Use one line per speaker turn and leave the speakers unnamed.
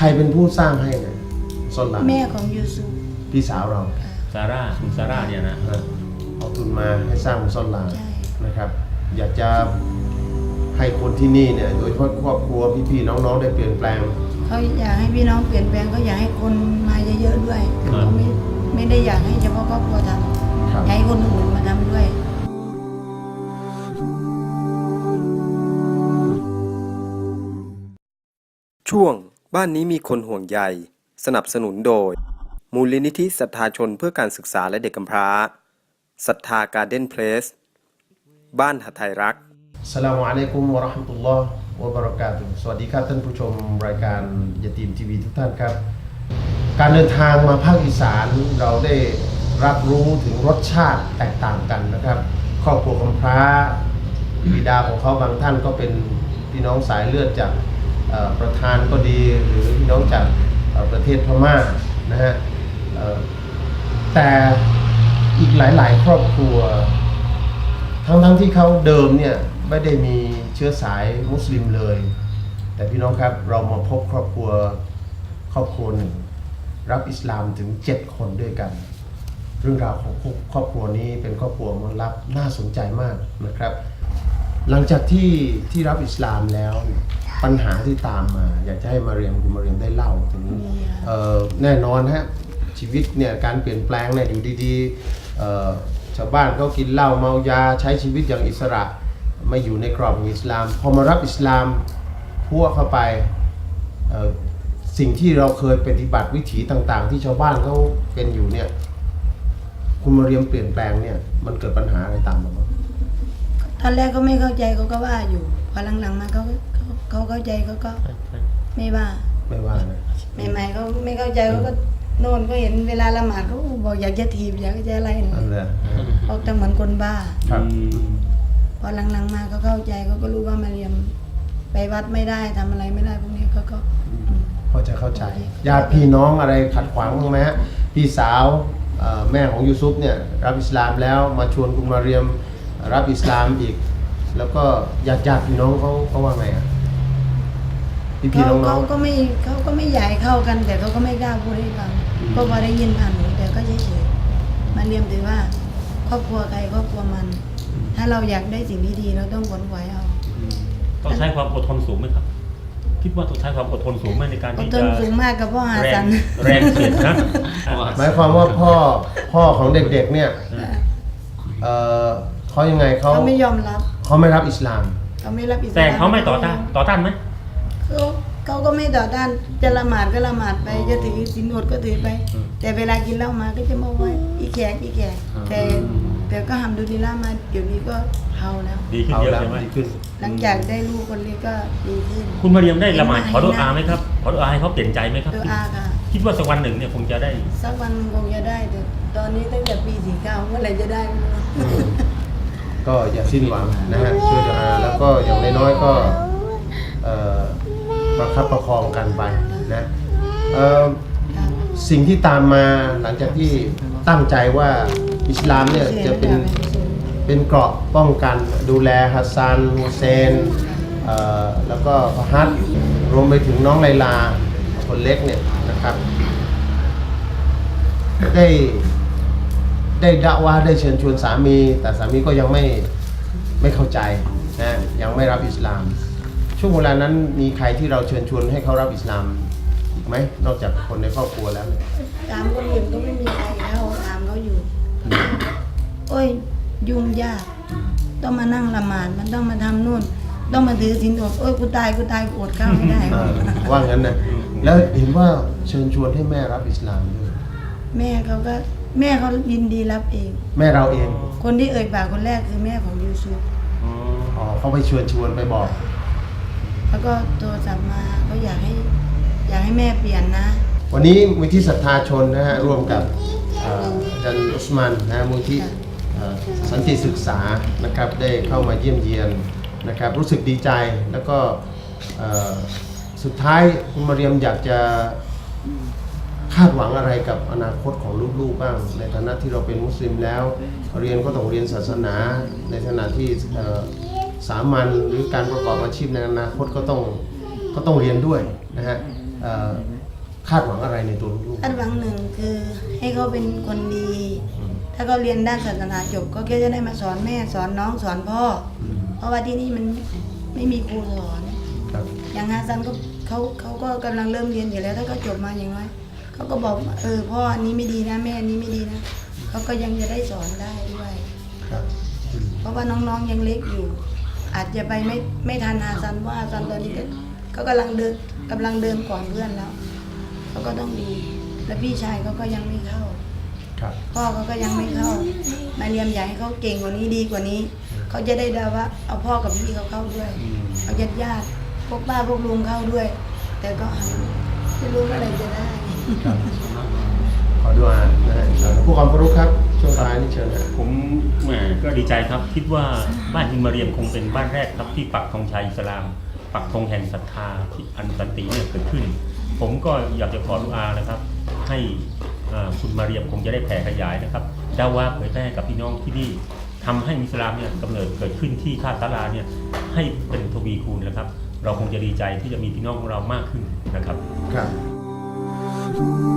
รเป็นผู้สร้างให้เนี่ยซอลลา
แม่ของยูซุฟ
พี่สาวเรา
ซาร่าคุณซาร่าเนี่ยนะ
เอาทุนมาให้สร้างมุสลา
ใช่
นะครับ อยากจะให้คนที่นี่เนี่ยโดยเฉพาะครอบครัวพี่ๆน้องๆได้เปลี่ยนแปลง
เขาอยากให้พี่น้องเปลี่ยนแปลงเขาอยากให้คนมาเยอะๆด้วยเขาไม่ได้อยากให้เฉพาะครอบครัวทำ
ครับ
อยากให้คนอื่นมาทำด้วย
ช่วงบ้านนี้มีคนห่วงใยสนับสนุนโดยมูลนิธิศรัทธาชนเพื่อการศึกษาและเด็กกำพร้าศรัทธาการ์เด้นเพลสบ้านหทัยรัก
อัสสลามุอะลัยกุมวะเราะห์มะตุลลอฮ์วะบะเราะกาตุฮ์สวัสดีครับท่านผู้ชมรายการยะตีมทีวีทุกท่านครับ การเดินทางมาภาคอีสานเราได้รับรู้ถึงรสชาติแตกต่างกันนะครับ ครอบครัวกำพร้าบิดาของเขาบางท่านก็เป็นพี่น้องสายเลือดจากประธานก็ดีหรือพี่น้องจากประเทศพม่านะฮะแต่อีกหลายๆ ครอบครัวทั้งที่เขาเดิมเนี่ยไม่ได้มีเชื้อสายมุสลิมเลยแต่พี่น้องครับเรามาพบครอบครัวหนึ่งรับอิสลามถึง7 คนด้วยกัน เรื่องราวของครอบครัวนี้เป็นครอบครัวมลับน่าสนใจมากนะครับ หลังจากที่รับอิสลามแล้วปัญหาที่ตามมาอยากจะให้คุณมาเรียมได้เล่าถึงแน่นอนฮะชีวิตเนี่ยการเปลี่ยนแปลงเนี่ยอยู่ดีๆชาวบ้านเขากินเหล้าเมายาใช้ชีวิตอย่างอิสระไม่อยู่ในกรอบของอิสลามพอมารับอิสลามพัวเข้าไปสิ่งที่เราเคยปฏิบัติวิถีต่างๆ ที่ชาวบ้านเขาเป็นอยู่เนี่ยคุณมาเรียมเปลี่ยนแปลงเนี่ยมันเกิดปัญหาอะไรตามมาบ้าง
ตอนแรกก็ไม่เข้าใจเขาก็ว่าอยู่พอหลังๆมาเขาเข้าใจเขาก็ไม่ว่า
นะ
ใหม่ๆเขาไม่เข้าใจเขาก็โน่นก็เห็นเวลาละหมาดเขาบอกอยากจะถีบอยากจะอะไรเนี่ยเขาจะเหมือนคนบ้าพอหลังๆมาเขาเข้าใจเขาก็รู้ว่ามาเรียมไปวัดไม่ได้ทำอะไรไม่ได้พวกนี้เขาก็
พอจะเข้าใจญาติพี่น้องอะไรขัดขวางบ้างไหมฮะพี่สาวแม่ของยูซุฟเนี่ยรับอิสลามแล้วมาชวนคุณมาเรียมรับอิสลามอีกแล้วก็ญาติพี่น้องเขาว่าไงอ่ะพี่น้อง
เขาก็ไม่ใหญ่เข้ากันแต่เขาก็ไม่กล้าพูดให้ฟังก็พอได้ยินผ่านหูแต่ก็เฉยๆมาเรียมถือว่าครอบครัวใครครอบครัวมันถ้าเราอยากได้สิ่งที่ดีเราต้องขวนขวายเอา
ต้องใช้ความอดทนสูงไหมครับคิดว่าต้องใช้ความอดทนสูงไหมในการที่จะ
อดทนสูงมากกับพ่อหาสัน
แรงเสียดนะ
หมายความว่าพ่อของเด็กๆเนี่ยเขายังไงเขา
ไม่ยอมรับ
เขาไม่รับอิสลาม
เขาไม่รับอิสลาม
แต่เขาไม่ต่อต้านไหม
เขาก็ไม่ต่อต้านจะละหมาดก็ละหมาดไปจะถือศีลอดก็ถือไปแต่เวลากินเหล้ามาก็จะมาว่าอีแขกแต่ก็ทำดูดีล่ามาเดี๋ยวนี้ก็เฮาแล้ว
ดีขึ้นเยอะใช่ไหม
หลังจากได้ลูกคนเล็กก็ดีขึ้น
คุณมาเรียมได้ละหมาดขอดุอาไหมครับขอดุอาให้เขาเปลี่ยนใจไหมครับ
ดุอาค่ะ
คิดว่าสักวันหนึ่งเนี่ยคงจะได้
สักวันคงจะได้แต่ตอนนี้ตั้งแต่ปี49เมื่อไหร่จะได้ไม่รู้
ก็อย่าสิ้นหวังนะฮะช่วยดุอาแล้วก็อย่างน้อยๆก็ประคับประคองกันไปนะสิ่งที่ตามมาหลังจากที่ตั้งใจว่าอิสลามเนี่ยจะเป็นเกราะป้องกันดูแลฮัสซันฮุเซนแล้วก็ฟาฮัดรวมไปถึงน้องไลลาคนเล็กเนี่ยนะครับได้ดะว่าได้เชิญชวนสามีแต่สามีก็ยังไม่เข้าใจนะยังไม่รับอิสลามช่วงเวลานั้นมีใครที่เราเชิญชวนให้เขารับอิสลามอีกไหมนอกจากคนในครอบครัวแล้ว
ตามคนอื่นก็ไม่มีใครเขาตามเขาอยู่โอ้ยยุ่งยากต้องมานั่งละหมาดมันต้องมาทำนู่นต้องมาถือศีลอดโอ้ยกูตายกูอดข้าวไม่ได้
ว่างั้นนะแล้วเห็นว่าเชิญชวนให้แม่รับอิสลามด้วย
แม่เขายินดีรับเอง
แม่เราเอง
คนที่เอ่ยปากคนแรกคือแม่ของยูซุฟ
เขาไปชวนไปบอก
แล้วก็โทรศัพท์มาเขาอยากให้แม่เปลี่ยนนะ
วันนี้มูลที่ศรัทธาชนนะฮะร่วมกับอาจารย์อุสมานนะมูลที่สันติศึกษานะครับได้เข้ามาเยี่ยมเยียนนะครับรู้สึกดีใจแล้วก็สุดท้ายคุณมาเรียมอยากจะคาดหวังอะไรกับอนาคตของลูกๆบ้างในฐานะที่เราเป็นมุสลิมแล้วเรียนก็ต้องเรียนศาสนาในขณะที่สามัญหรือการประกอบอาชีพในอนาคตก็ต้องเรียนด้วยนะฮะคาดหวังอะไรในตัวลูก
คาดหวังหนึ่งคือให้เขาเป็นคนดี ถ้าเขาเรียนด้านศาสนาจบก็แค่จะได้มาสอนแม่สอนน้องสอนพ่อเพราะว่าที่นี่มันไม่มีครูสอน
ครับ
อย่างฮาซันก็เขาก็กำลังเริ่มเรียนอยู่แล้วถ้าเขาจบมาอย่างน้อยเขาก็บอกพ่ออันนี้ไม่ดีนะแม่อันนี้ไม่ดีนะเขาก็ยังจะได้สอนได้ด้วย
ครับ
เพราะว่าน้องๆยังเล็กอยู่ อาจจะไปไม่ทันฮาซันว่าฮาซันตอนนี้ก็กำลังเดินก่อนเพื่อนแล้วเขาก็ต้องดีแล้วพี่ชายเขาก็ยังไม่เข้า
ครับ
พ่อเขาก็ยังไม่เข้ามาเรียมอยากให้เขาเก่งกว่านี้ดีกว่านี้เขาจะได้ได้ว่าเอาพ่อกับพี่เขาเข้าด้วยเอาญาติพวกป้าพวกลุงเข้าด้วย แต่ก็ไม่รู้เมื่อไหร่จะได้
ครับขอดูอ่านนะฮะผู้ความรู้ครับช่วงท้ายนี่เชิญนะ
ผมแหมก็ดีใจครับ คิดว่าบ้านอินมาเรียมคงเป็นบ้านแรกครับที่ปักธงชัยอิสลาม ปักธงแห่งศรัทธาที่อันสันติเนี่ยเกิดขึ้น ผมก็อยากจะขอดุอานะครับ ให้คุณมาเรียมคงจะได้แผ่ขยายนะครับดาวาเผยแพร่กับพี่น้องที่นี่ทำให้อิสลามเนี่ยกำเนิดเกิดขึ้นที่ท่าตะลาเนี่ยให้เป็นทวีคูณนะครับ เราคงจะดีใจที่จะมีพี่น้องของเรามากขึ้นนะครับ
ครับ